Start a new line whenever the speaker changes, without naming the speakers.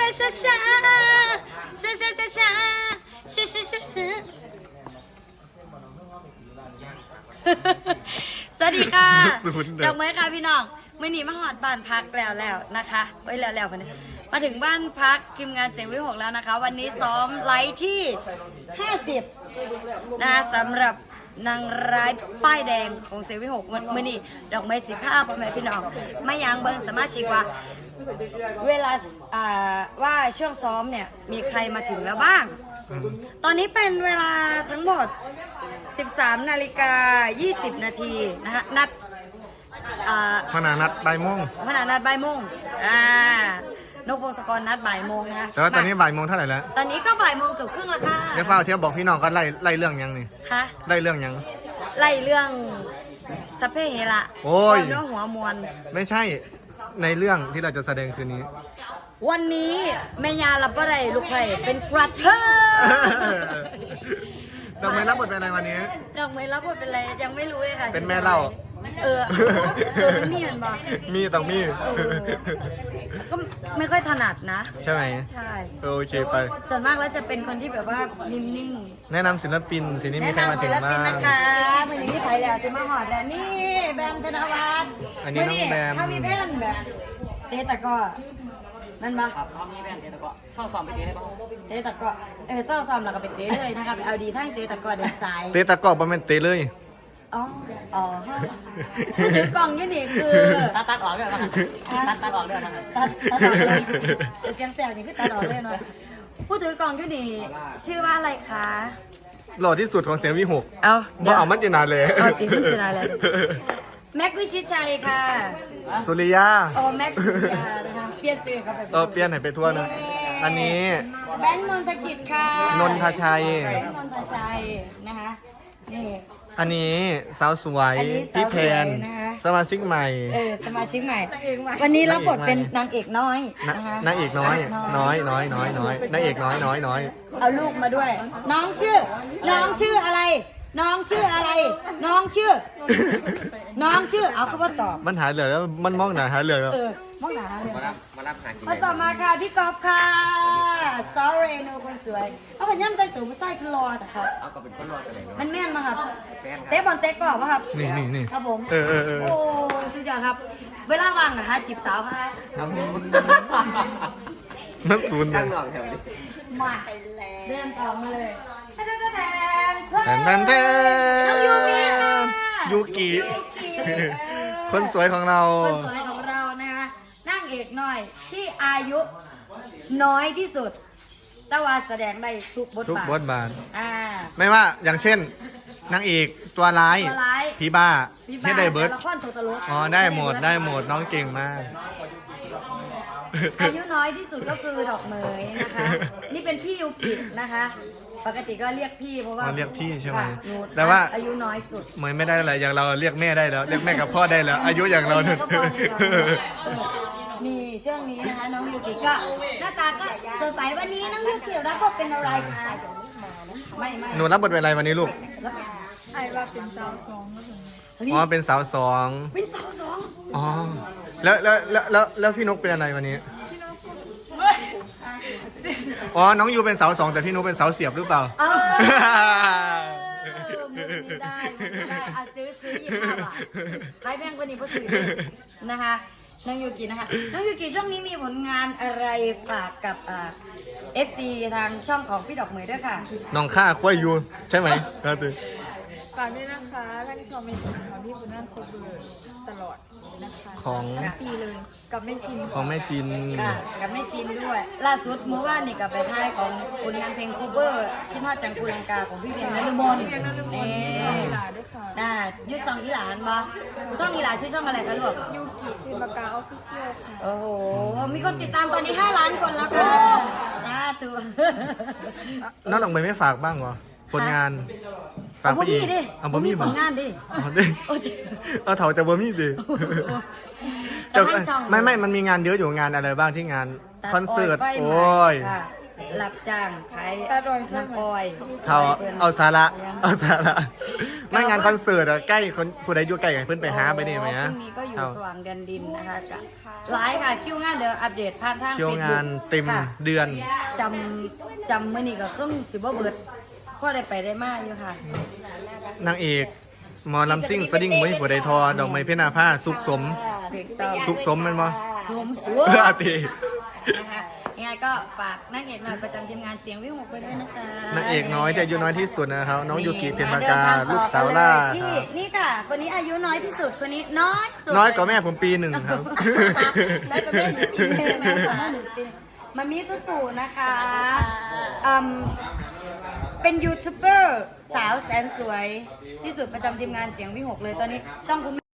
ช้าช้าช้าช้าช้าช้าช้าช้าช้าช้าสวัสดีค่ะดอกไม้ค่ะพี่น้องไม่หนีมาหอดบ้านพักแล้วนะคะไว้แล้ววันนี้มาถึงบ้านพักทีมงานเสียงวิหกแล้วนะคะวันนี้ซ้อมไลฟ์ที่50นะสำหรับนางร้ายป้ายแดงของเสียงวิหกมื่อนี้ดอกไม้15พ่อแม่พี่น้องไม่ยางเบิ้งสามารถชิกว่าเวลาว่าช่วงซ้อมเนี่ยมีใครมาถึงแล้วบ้างตอนนี้เป็นเวลาทั้งหมด13:20 นาทีนะคะนัด
พนานัดบ่ายโมง
นกพงศกรนัดบ่ายโมงนะ
แต่ว่าตอนนี้บ่ายโมงเท่าไหร่แล้ว
ตอนนี้ก็บ่ายโมงเกือบครึ่งแล้วค่ะ
เดี๋ยวเฝ้าเที่ยวบอกพี่น้องก็ไล่เรื่องยังนี่
ฮะ
ไล่เรื่องยัง
ไล่เรื่องสัพเพเหระ
โอ้ย
เนื้อหัวมวล
ไม่ใช่ในเรื่องที่เราจะแสดงคืนนี้
วันนี้แม่ยาลับอะไรลูกไผ่เป็นกระเทย
ดอกไม้รับบทเป็นอะไรวันนี้
ดอกไม้รับบทเป็นอะไรยังไม่รู้เลยค่ะ
เป็นแม่เล่า
มันมีมันบอก
มีต้องมี
ก็ไม่ค่อยถนัดนะ
ใช่ไหม
ใช่
โอเคไป
ส่วนมากแล้วจะเป็นคนที่แบบว่านิ่ง
ๆแนะนำศิลปินทีนี้มีใครมาถึงบ้าง
นะคะวันนี้ไผ่แล้วจะมาหอดแล้วนี่แบมธนวัฒน์
อันนี้น้องแบม
ถ้ามีแผ่นแบบเตะตะก้อนั่นปะ
ครับถ้ามีแผ่นเตะตะก้อเศร้าซ้อมไปเตะได้ปะ
เตะตะก้อเศร้าซ้อมแล้วก็ไปเตะเลยนะคะไปเอาดีทั้งเตะตะก้อเดินสาย
เตะตะก้อประมาณเตะเลย
อ๋อผู้ถือกล่องยี่นี่คือ
ตัดออกเลยนะตัดออกเลยนะ
ตัดออกเลยแต่เจียงแซวนี่คือตัดออกเลยหน่อยผู้ถือกล่องยี่นี่ชื่อว่าอะไรคะ
หล่อที่สุดของเสียงวิหก
เอา
มันจะนานเลย
ติดมันจะนานเลยแม็กวิชิชัยค่ะ
สุริยา
แม็กสุริยานะคะเปลี่ยนชื่อเขาไป
เปลี่ยนให้ไปทั่วนะอันนี้
แบงค์นนทกิจค่ะ
นนทชัย
แบงค์นนทชัยนะคะนี่
อันนี้สาวสวยพี่แพนสมาชิกใหม่
สมาชิกใหม่วันนี้รับบทเป็นนางเอกน้อยนะคะ
นางเอกน้อยนางเอกน้อย
เอาลูกมาด้วยน้องชื่ออะไรน้องชื่อเอาเขาว่าตอบ
มันหาเหลือแล้วมันมองหนาหาเหลือแล้ว
มองหนาเลยมาต่อมาค่ะพี่กอล์ฟค่ะ sorry โนคนสวยเอาขยันแต่งตัวมาใส่คือรอแต่ครับ
เอาก็เป็นคนรอกันเลย
มันแม่นมาครับเตะบอลเตะก่อนป่ะครับ
นี่
ครับผมโอ้สุดยอดครับเวลาว่างนะคะจีบสาวครับ
นักศูนย์
สร้างหลอกแถวนี้
มาเดินต่อมาเลย
แทนยูกิคนสวยของเรา
นะคะนางเอกน้อยที่อายุน้อยที่สุดแต่ว่าแสดงได้ทุกบทบาท
ไม่ว่าอย่างเช่นนางเอกตัวร้ายผีบ้าที่ได้เบิร์ดได้หมดน้องเก่งมาก
อายุน้อยที่สุดก็คือดอกเหมยนะคะนี่เป็นพี่ยูกินะคะปกติก็เรียกพี่เพราะว่า
เรียกพี่ใช่ไหม
แต่ว่าอายุน้อยสุด
เหมยไม่ได้อะไรอย่างเราเรียกแม่ได้แล้วเรียกแม่กับพ่อได้แล้วอายุอย่างเราเนี่ย
นี่ช่วงนี้นะคะน้องยูกิก็หน้าตาก็สดใสวันนี้น้องยูกิรับบทเป็นอะไรคะไม่
หนูรับบทเป็นอะไรวันนี้ลูก
ไอ้ว่าเป็นสาวสอง
เป็นสาวสองอ๋อแล้วพี่นกเป็นอะไรวันนี้น้องยูเป็นเสาสองแต่พี่นุ๊กเป็นเสาเสียบหรือเปล่า
ได้ซื้อ25 บาทขายแพงกว่านี้ก็ซื้อนะคะน้องยูกินะคะน้องยูกิช่วงนี้มีผลงานอะไรฝากกับFC ทางช่องของพี่ดอกเหมยด้วยค่ะ
น้องข้าควายยูใช่ไหมครับตื่น
ฝากด้วยนะคะท่านชมเป็นของพี่บุญนั่นโคเบอร์ตลอดนะคะ
ของ
ปีเลยกับแม่จิน
ของแม่จิน
กับแม่จินด้วยล่าสุดเมื่อวานนี่กับไปท้ายของผลงานเพลงโคเวอร์คิดฮอดจังกูลังกาของพี่เพียงนฤมล
ช่องอีหลาด้วยค่ะ
ยุดซองอีหลานบ่ช่องอีหลาชื่อช่องอะไรคะลูก
ยูกิพิมพ์ปากกาออฟฟิเชียลค่ะ
โอ้โหมีคนติดตามตอนนี้5 ล้านคนแล้วค่ะตัว
น้องดอกไม้ไม่ฝากบ้างเหรอผลงาน
ฝากไปอีก
บ่มี
ผลงานดิ
เถาแต่บ่มีดิไม่มันมีงานเยอะอยู่งานอะไรบ้างที่งานคอนเสิร์ตโอ้ย
รับจ้างขายน้ำอ้อย
เอาสาระไม่งานคอนเสิร์ตอะใกล้คนผู้ใดอยู่ใกล้ให้เพิ่นไปหาไปนี่ไหม
พ
ฮะ
รุ่งนี้ก็อยู่สว่างแดนดินนะคะกับไลฟ์ค่ะคิวงานเดี๋ยวอัปเดตผ่านทาง
คิวงาน
Facebook
เต็ม
ค่ะ
เดือน
จำมื้อนี้ก็ครึ่งสิบ่เบิดพ่อได้ไปได้มาอยู่ค่ะ
นางเอกหมอลำซิ่งสดิ้งมวยผู้ใดทอดอกไม้เพชรนาผ้าสุขสม
ถูกต้อง
สุขสมแมันบ่
สวมสวม
อาตี
นะคะยังไงก็ฝากนางเอกหน่อยประจำทีมงานเสียงวิหกไปด้วยนะคะ
นางเอกน้อยแต่อายุน้อยที่สุดนะครับน้องยูกิเพ็ญปากา
ดินทงต่อ
ลูกสาวล่า
ที่
ครับ
นี่ค่ะคนนี้อายุน้อยที่สุดคนนี้น้อยสุด
น้อยกว่าแม่ผมปีหนึ่งครับ
ได้ก็แม่หนูปีหนึ่งนะคะมันมีตุ๊ตู่นะคะเป็นยูทูบเบอร์สาวแสนสวยที่สุดประจำทีมงานเสียงวิหกเลยตอนนี้ช่องคุณ